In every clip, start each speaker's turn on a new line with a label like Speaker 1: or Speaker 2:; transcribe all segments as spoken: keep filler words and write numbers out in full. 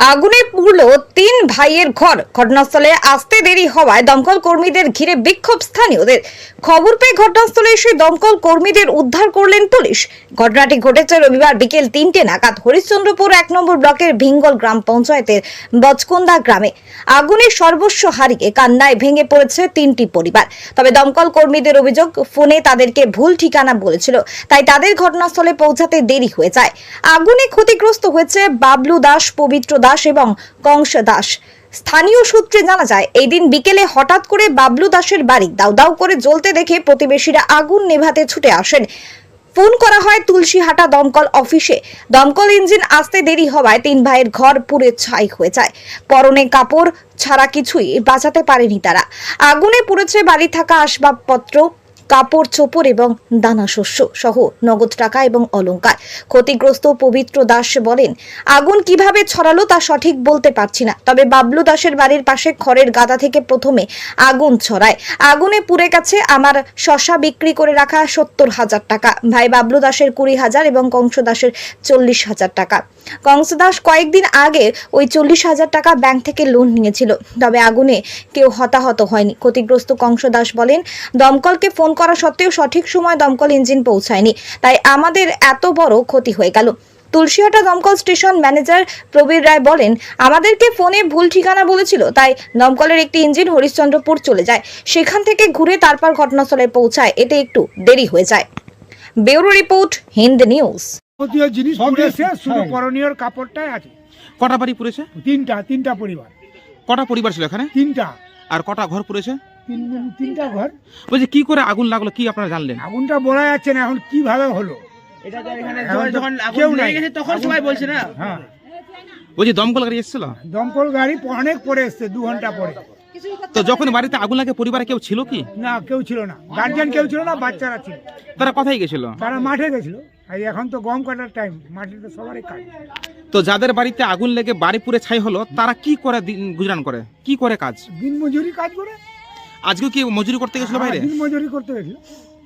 Speaker 1: আগুনে পুড়ল তিন ভাইয়ের ঘর। ঘটনাস্থলে আসতে দেরি হওয়ায় দমকল কর্মীদের ঘিরে বিক্ষোভ স্থানীয়দের। খবর পেয়ে ঘটনাস্থলে এসে দমকল কর্মীদের উদ্ধার করলেন পুলিশ। ঘটনাটি ঘটেছে রবিবার বিকেল তিনটে নাগাদ হরিশ্চন্দ্রপুর এক নম্বর ব্লকের ভিঙ্গল গ্রাম পঞ্চায়েতের বচকন্দা গ্রামে। আগুনে সর্বস্ব হারিয়ে কান্নায় ভেঙে পড়েছে তিনটি পরিবার। তবে দমকল কর্মীদের অভিযোগ, ফোনে তাদেরকে ভুল ঠিকানা বলেছিল, তাই তাদের ঘটনাস্থলে পৌঁছাতে দেরি হয়ে যায়। আগুনে ক্ষতিগ্রস্ত হয়েছে বাবলু দাস, পবিত্র দাস এবং কংস দাস। স্থানীয় সূত্রে জানা যায়, এই দিন বিকেলে হঠাৎ করে বাবলু দাসের বাড়ি দাউ দাউ করে জ্বলতে দেখে প্রতিবেশীরা আগুন নেভাতে ছুটে আসেন। ফোন করা হয় তুলসীহাটা দমকল অফিসে। দমকল ইঞ্জিন আসতে দেরি হওয়ায় তিন ভাইয়ের ঘর পুড়ে ছাই হয়ে যায়। পরনে কাপড় ছাড়া কিছুই বাঁচাতে পারেনি তারা। আগুনে পুড়েছে বাড়ি থাকা আসবাবপত্র, কাপড় চোপড় এবং দানা শস্য সহ নগদ টাকা এবং অলংকার। ক্ষতিগ্রস্ত পবিত্র দাস বলেন, আগুন কিভাবে ছড়ালো তা সঠিক বলতে পারছি না, তবে বাবলু দাসের বাড়ির পাশে খড়ের গাদা থেকে প্রথমে আগুন ছড়ায়। আগুনে পুড়ে গেছে আমার শশা বিক্রি করে রাখা সত্তর হাজার টাকা, ভাই বাবলু দাসের কুড়ি হাজার এবং কংস দাসের চল্লিশ হাজার টাকা। কংস দাস কয়েকদিন আগে ওই চল্লিশ হাজার টাকা ব্যাংক থেকে লোন নিয়েছিল, তবে আগুনে কেউ হতাহত হয়নি। ক্ষতিগ্রস্ত কংস দাস বলেন, দমকলকে ফোন করা সত্ত্বেও সঠিক সময় দমকল ইঞ্জিন পৌঁছায়নি, তাই আমাদের এত বড় ক্ষতি হয়ে গেল। তুলসীহাটা দমকল স্টেশন ম্যানেজার প্রবীর রায় বলেন, আমাদেরকে ফোনে ভুল ঠিকানা বলেছিল, তাই দমকলের একটি ইঞ্জিন হরিশ্চন্দ্রপুর চলে যায়, সেখান থেকে ঘুরে তারপর ঘটনাস্থলে পৌঁছায়, এতে একটু দেরি হয়ে যায়। Bureau report, Hind news.
Speaker 2: যাবতীয় জিনিস পুড়েছে, শুধু করণীয় কাপড়টাই আছে।
Speaker 3: কটা বাড়ি পুড়েছে?
Speaker 2: তিনটা তিনটা পরিবার।
Speaker 3: কটা পরিবার ছিল এখানে?
Speaker 2: তিনটা।
Speaker 3: আর কটা ঘর পুড়েছে?
Speaker 2: তিন তিনটা ঘর।
Speaker 3: বলছি কি করে আগুন লাগলো, কি আপনারা জানলেন?
Speaker 2: আগুনটা বলা যাচ্ছে না এখন কিভাবে হলো।
Speaker 4: এটা তো এখানে
Speaker 2: এখন তো
Speaker 4: যখন
Speaker 2: কেউ
Speaker 4: আগুন
Speaker 2: নাই।
Speaker 4: লেগে গেছে তখন সবাই বলছে না।
Speaker 2: হ্যাঁ,
Speaker 3: বলছি দমকল গাড়ি এসেছিল?
Speaker 2: দমকল গাড়ি অনেক পরে এসছে, দু ঘন্টা পরে।
Speaker 3: তো যখন বাড়িতে আগুন লাগে পরিবারে কেউ ছিল কি?
Speaker 2: না, কেউ ছিল না, গার্জিয়ান কেউ ছিল না, বাচ্চারা ছিল।
Speaker 3: তারা কোথায় গেছিল?
Speaker 2: তারা মাঠে গেছিল। আর এখন তো গম কাটার টাইম, মাঠে তো সবারই কাজ।
Speaker 3: তো যাদের বাড়িতে আগুন লেগে বাড়ি পুড়ে ছাই হলো, তারা কি করে দিন গুজরান করে, কি করে কাজ?
Speaker 2: দিন মজুরি কাজ করে।
Speaker 3: আজকেও কি মজুরি করতে গেছিল বাইরে?
Speaker 2: দিন মজুরি করতে গেছিল।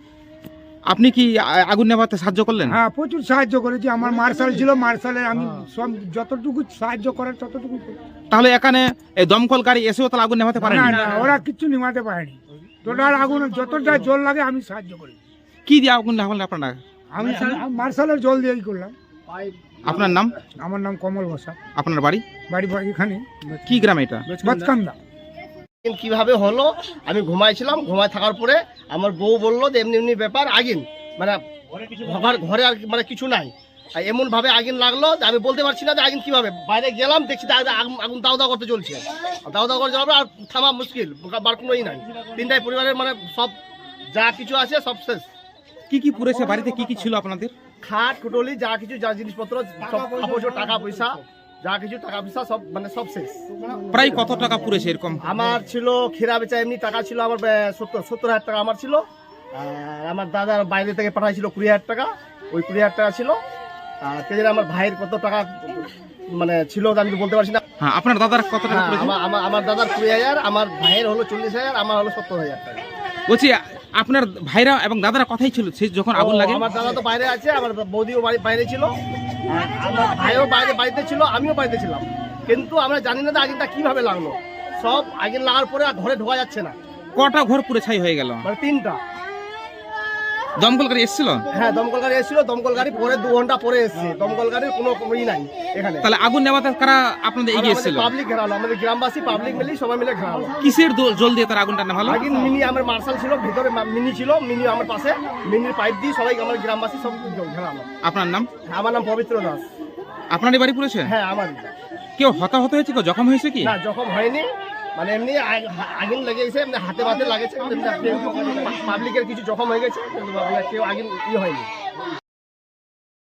Speaker 3: আপনি কি আ- আগুন নেভাতে সাহায্য করলেন?
Speaker 2: হ্যাঁ, প্রচুর সাহায্য করেছি। আমার মার্শাল ছিল, মার্শালের আমি সব যতটুকু সাহায্য করার ততটুকু করেছি।
Speaker 3: তাহলে এখানে এই দমকল গাড়ি এসেও তাহলে আগুন নেভাতে পারেন?
Speaker 2: না না, ওরা কিচ্ছু নিমাতে পারেনি। টোটাল আগুন যতটা জল লাগে আমি সাহায্য করি।
Speaker 3: কি দিয়ে আগুন নেভালেন আপনারা?
Speaker 2: আমি মার্শালের জল দিয়েই করলাম।
Speaker 3: আপনার নাম?
Speaker 2: আমার নাম কমল বসা।
Speaker 3: আপনার বাড়ি
Speaker 2: বাড়ি বাড়ি এখানে
Speaker 3: কি গ্রামে এটা?
Speaker 2: বচকান্দা।
Speaker 4: কিভাবে হলো, আমি ঘুমাইছিলাম, ঘুমায় থাকার পরে আমার বউ বললো যে এমনি এমনি ব্যাপার, আগুন মানে ঘর ঘরে আর মানে কিছু নাই, আর এমন ভাবে আগুন লাগলো যে আমি বলতে পারছি না যে আগুন কিভাবে। বাইরে গেলাম, দেখছি যে আগুন- আগুন দাও দাও করতে চলছে, দাও দাও করে জ্বলবে, আর থামা মুশকিল, বার কোনোই নাই। তিনটাই পরিবারের মানে সব যা কিছু আছে সব শেষ।
Speaker 3: কি কি পুড়েছে বাড়িতে, কি কি ছিল আপনাদের?
Speaker 4: খাট কুটলি যা কিছু, যা জিনিসপত্র সব, কাপড় চোপড়, টাকা পয়সা যা কিছু, টাকা পয়সা সব মানে সব শেষ।
Speaker 3: প্রায় কত টাকা পুড়েছে এরকম?
Speaker 4: আমার ছিল খেরা বেচা এমনি টাকা ছিল আমার আহ, সত্তর সত্তর হাজার টাকা আমার ছিল। আর আমার দাদার বাইরে থেকে পাঠাইছিল কুড়ি হাজার টাকা, ওই কুড়ি হাজার টাকা ছিল। আর কে জানে আমার ভাইয়ের কত টাকা মানে ছিল তা আমি তো বলতে পারছি না।
Speaker 3: হ্যাঁ, আপনার দাদার কত টাকা
Speaker 4: হ্যাঁ,
Speaker 3: পুড়েছে?
Speaker 4: আমার আমার আমার দাদার কুড়ি হাজার, আমার ভাইয়ের হলো চল্লিশ হাজার, আমার হলো সত্তর হাজার টাকা।
Speaker 3: বলছি আপনার ভাইরা এবং দাদারা কথাই ছিল সেই যখন আগুন লাগে?
Speaker 4: আমার দাদা তো বাইরে আছে, আমার বৌদিও বাড়ি বাইরে ছিল, আর আমার ভাইও বাইরে বাড়িতে ছিল, আমিও বাড়িতে ছিলাম। কিন্তু আমরা জানি না যে আগুনটা কিভাবে লাগলো। সব আগুন লাগার পরে আর ঘরে ঢোকা যাচ্ছে না।
Speaker 3: কটা ঘর পুড়ে ছাই হয়ে গেল?
Speaker 4: মানে তিনটা।
Speaker 3: দমকল গাড়ি এসেছিল?
Speaker 4: হ্যাঁ, দমকল গাড়ি এসেছিল, দমকল গাড়ি পরে দু ঘন্টা পরে এসেছে। দমকল গাড়ির কোনো ই নাই এখানে।
Speaker 3: তাহলে আগুন নেভাতে কারা আপনাদের এগিয়ে এসেছিল?
Speaker 4: পাবলিক ঘেরালো, আমাদের গ্রামবাসী পাবলিক মিলে সবাই মিলে ঘেরালো।
Speaker 3: কিসের দো- জল দিয়ে তার আগুনটা নেভালো?
Speaker 4: আগে মিনি আমার মার্শাল ছিল, ভিতরে মা- মিনি ছিল, মিনি আমার পাশে, মিনির পাইপ দিয়ে সবাই আমার গ্রামবাসী সব ঘেরালো।
Speaker 3: আপনার নাম?
Speaker 4: আমার নাম পবিত্র দাস।
Speaker 3: আপনারই বাড়ি পুড়েছে?
Speaker 4: হ্যাঁ, আমার।
Speaker 3: কেউ হতাহত হয়েছে, কেউ জখম হয়েছে কি?
Speaker 4: না, যখন হয়নি, মানে এমনি আগ- আগুন লেগে গেছে, এমনি হাতে পাতে লাগেছে, পাবলিকের কিছু জখম হয়ে গেছে, কিন্তু কেউ আগুন ই হয়নি।